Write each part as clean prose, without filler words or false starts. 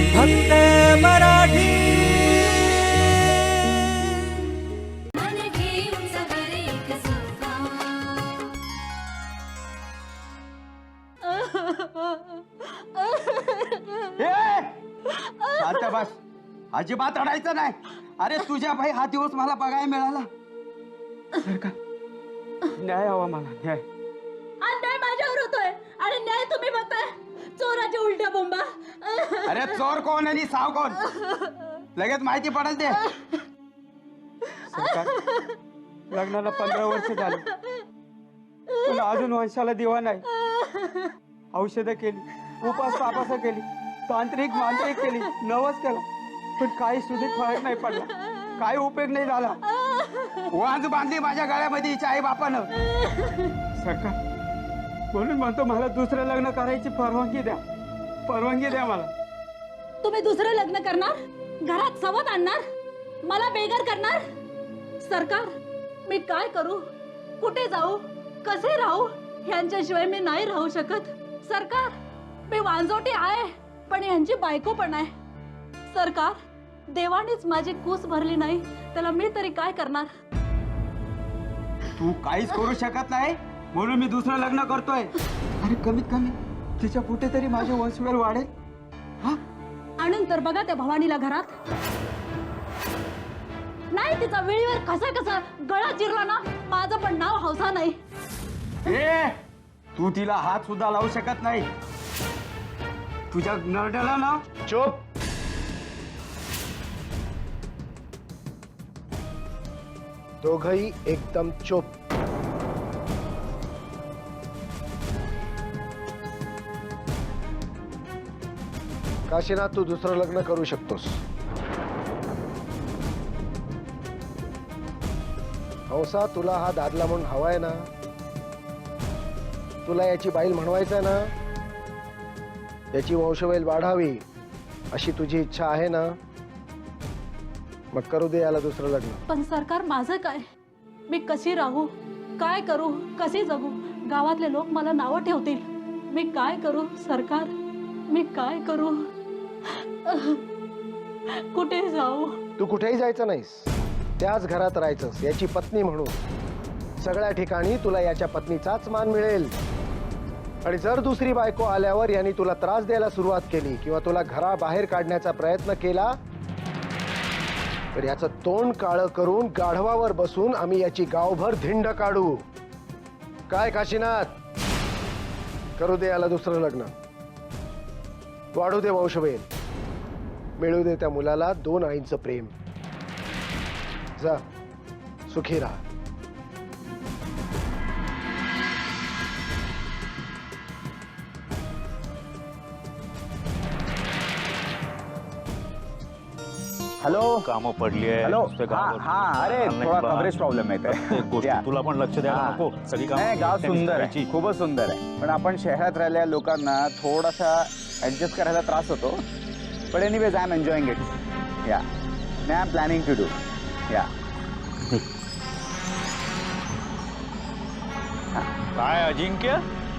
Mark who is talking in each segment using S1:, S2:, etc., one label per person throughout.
S1: फक्त मराठी।
S2: शांत बस, अजिबात रडायचं नाही। अरे तुझ्या भाई हा दिवस मला बघायला मिळाला। न्याय हवा मला, न्याय।
S3: अन्याय माझ्यावर होतोय आणि न्याय तुम्ही बघताय। चोराच्या उलट्या बोंबा।
S2: अरे चोर कोण आणि साव कोण लगेच माहिती पडेल ते। सरकार, लग्नाला 15 वर्ष झाली पण अजून वंशाला दिवा नाही। औषधं केली, उपास तापास केली, तांत्रिक मांत्रिक केली, नवस केला, पण काही सुद्धा फरक नाही पडला, काही उपयोग नाही झाला। वाज बांधली माझ्या गळ्यामध्ये हिच्या आई बापानं। सरकार, म्हणून म्हणतो मला दुसरं लग्न करायची परवानगी द्या, परवानगी द्या मला।
S3: तुम्ही दुसरं लग्न करणार, घरात सवत आणणार, मला बेघर करणार? सरकार, मी काय करू, कुठे जाऊ, कसे राहू, ह्यांच्याशिवाय मी नाही राहू शकत। सरकार, मी वांजोटी आहे पण यांची बायको पण आहे। सरकार, देवानेच माझी कूस भरली नाही, त्याला मी तरी काय करणार?
S2: तू काहीच करू शकत नाही म्हणून मी दुसरं लग्न करतोय। अरे कमीत कमी तिच्या कुठे तरी माझे वंशवेल वाढेल। हा,
S3: आणून तर बघा त्या भवानीला घरात। नाही तिचा वेळीवर कसा कसा गळा चिरला ना, माझं पण नाव हौसा नाही।
S2: ए, तू तिला हात सुद्धा लावू शकत नाही। तुझ्या नरड्याला ना।
S4: चुप। दोघही एकदम चुप। काशीनाथ, तू दुसरं लग्न करू शकतोस। हंसा, तुला हा दादला म्हणून हवाय ना? तुला याची बाईल म्हणवायचं ना? याची वंशवेल वाढावी अशी तुझी इच्छा आहे ना? मग करू दे याला दुसरं लग्न।
S3: पण सरकार, माझं काय? मी कशी राहू, काय करू, कशी जगू? गावातले लोक मला नावं ठेवतील। मी काय करू सरकार, मी काय करू? कुठे जाऊ?
S4: तू कुठेही जायचं नाहीस, त्याच घरात राहायचंस याची पत्नी म्हणून। सगळ्या ठिकाणी तुला याच्या पत्नीचाच मान मिळेल। आणि जर दुसरी बायको आल्यावर यांनी तुला त्रास द्यायला सुरुवात केली किंवा तुला घराबाहेर काढण्याचा प्रयत्न केला तर याचं तोंड काळं करून गाढवावर बसून आम्ही याची गावभर धिंड काढू। काय काशीनाथ, करू दे याला दुसरं लग्न, वाढू दे वंशवेल, मिळू दे त्या मुलाला 2 आईंचं प्रेम। जा, सुखी राहा।
S5: हॅलो,
S6: कामं पडली आहे।
S5: हॅलो, हा, अरे थोडा कव्हरेज प्रॉब्लेम आहे।
S6: तुला पण लक्ष द्यायला नको। सगळी
S5: नाही, गाव
S6: कामं
S5: सुंदर आहे,
S6: करायची।
S5: खूपच सुंदर आहे, पण आपण शहरात राहिलेल्या लोकांना थोडासा ऍडजस्ट करायला त्रास होतो। पण anyways I am enjoying it. Yeah, I am planning to do. या,
S6: काय अजिंक्य,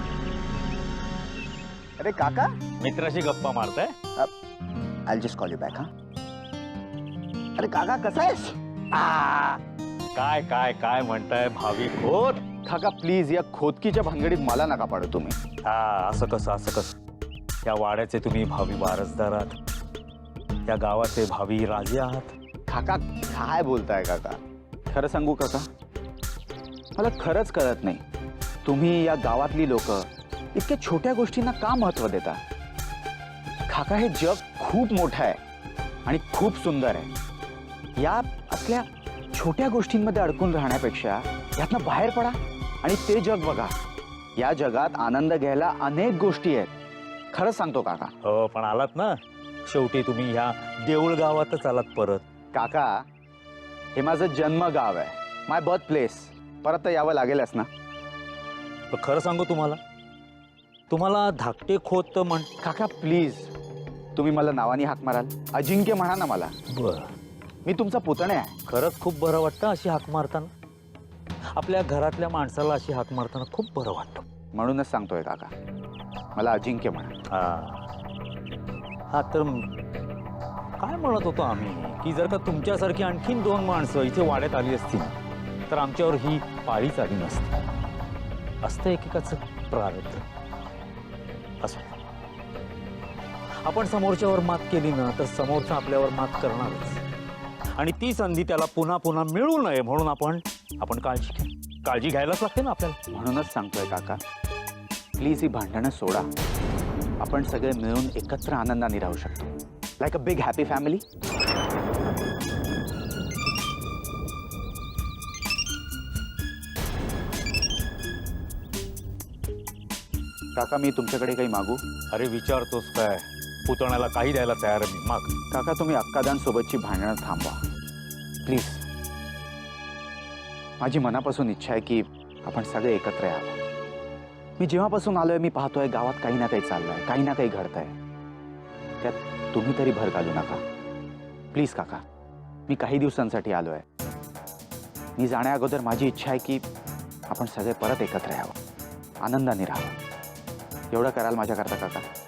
S5: अरे काका,
S6: मित्राशी गप्पा मारताय?
S5: I just call you back. हा, अरे काका कसा आहेस?
S6: काय काय काय म्हणताय भावी खोत?
S5: काका प्लीज, या खोदकीच्या भानगडीत मला नका पाडू तुम्ही।
S6: हा, असं कसं या वाड्याचे तुम्ही भावी वारसदार आहात, या गावाचे भावी राजे आहात।
S5: काका काय बोलताय काका? खरं सांगू काका, मला खरंच कळत नाही तुम्ही या गावातली लोक इतक्या छोट्या गोष्टींना का महत्व देता? काका, हे जग खूप मोठं आहे आणि खूप सुंदर आहे। या असल्या छोट्या गोष्टींमध्ये अडकून राहण्यापेक्षा यातनं बाहेर पडा आणि ते जग बघा। या जगात आनंद घ्यायला अनेक गोष्टी आहेत। खरंच सांगतो काका।
S6: हो, पण आलात ना शेवटी तुम्ही ह्या देऊळ गावातच आलात परत।
S5: काका, हे माझं जन्म गाव आहे, माय बर्थ प्लेस। परत तर यावं लागेलच ना?
S6: पण खरं सांगू तुम्हाला धाकटे खोत म्हण।
S5: काका प्लीज, तुम्ही मला नावाने हाक माराल, अजिंक्य म्हणा ना मला।
S6: बरं,
S5: मी तुमचा पुतणे आहे।
S6: खरंच खूप बरं वाटतं अशी हाक मारताना। आपल्या घरातल्या माणसाला अशी हाक मारताना खूप बरं वाटतं।
S5: म्हणूनच सांगतोय काका, मला अजिंक्य म्हणा।
S6: हा, तर काय म्हणत होतो आम्ही की जर का तुमच्यासारखी आणखीन 2 माणसं इथे वाड्यात आली असती ना, तर आमच्यावर ही पाळीच आली नसती. असतं एकेकाचं प्रारब्ध. असो, आपण समोरच्यावर मात केली ना तर समोरचा आपल्यावर मात करणारच. आणि ती संधी त्याला पुन्हा पुन्हा मिळू नये म्हणून आपण काळजी घ्यायलाच लागते ना आपल्याला.
S5: म्हणूनच सांगतोय काका, प्लीज ही भांडणं सोडा. आपण सगळे मिळून एकत्र आनंदाने राहू शकतो, like a big happy family. काका, मी तुमच्याकडे काही मागू?
S6: अरे विचारतोस काय? पुतण्याला काही द्यायला तयार आहे मी. माग.
S5: काका, तुम्ही अक्कादान सोबतची भांडणं थांबवा प्लीज. माझी मनापासून इच्छा आहे की आपण सगळे एकत्र यावं. मी जेव्हापासून आलोय मी पाहतोय गावात काही ना काही चाललंय, काही ना काही घडतंय. त्यात तुम्ही तरी भर घालू नका प्लीज काका. मी काही दिवसांसाठी आलोय. मी जाण्या अगोदर माझी इच्छा आहे की आपण सगळे परत एकत्र यावं, आनंदाने राहावं. एवढं कराल माझ्याकरता काका?